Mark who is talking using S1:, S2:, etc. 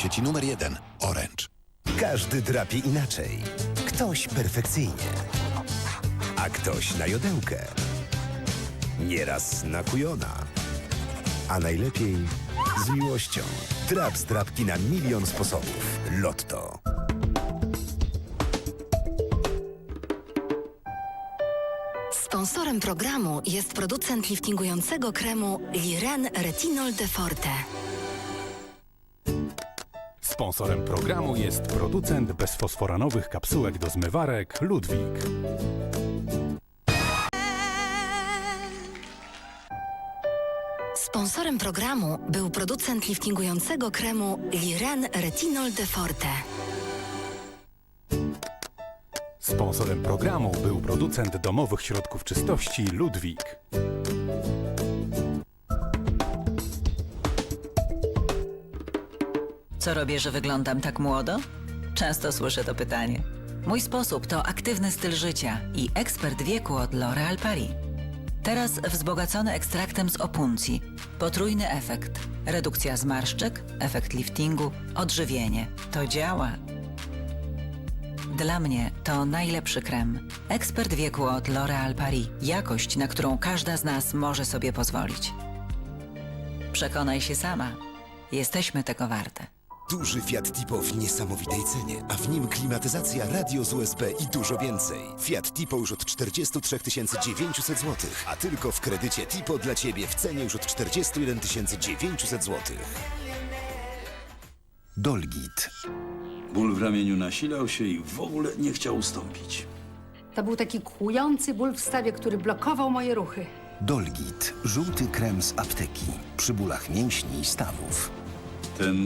S1: sieci numer 1 Orange.
S2: Każdy drapie inaczej. Ktoś perfekcyjnie, a ktoś na jodełkę. Nieraz na kujona. A najlepiej z miłością. Drap z drapki na milion sposobów. Lotto.
S3: Sponsorem programu jest producent liftingującego kremu Liren Retinol de Forte.
S4: Sponsorem programu jest producent bezfosforanowych kapsułek do zmywarek Ludwik.
S3: Sponsorem programu był producent liftingującego kremu Liren Retinol de Forte.
S4: Sponsorem programu był producent domowych środków czystości Ludwik.
S5: Co robię, że wyglądam tak młodo? Często słyszę to pytanie. Mój sposób to aktywny styl życia i ekspert wieku od L'Oréal Paris. Teraz wzbogacony ekstraktem z opuncji. Potrójny efekt. Redukcja zmarszczek, efekt liftingu, odżywienie. To działa. Dla mnie to najlepszy krem. Ekspert wieku od L'Oréal Paris. Jakość, na którą każda z nas może sobie pozwolić. Przekonaj się sama. Jesteśmy tego warte.
S2: Duży Fiat Tipo w niesamowitej cenie, a w nim klimatyzacja, radio z USB i dużo więcej. Fiat Tipo już od 43 900 zł, a tylko w kredycie Tipo dla Ciebie w cenie już od 41 900 zł. Dolgit.
S6: Ból w ramieniu nasilał się i w ogóle nie chciał ustąpić.
S7: To był taki kłujący ból w stawie, który blokował moje ruchy.
S2: Dolgit. Żółty krem z apteki. Przy bólach mięśni i stawów.
S6: Ten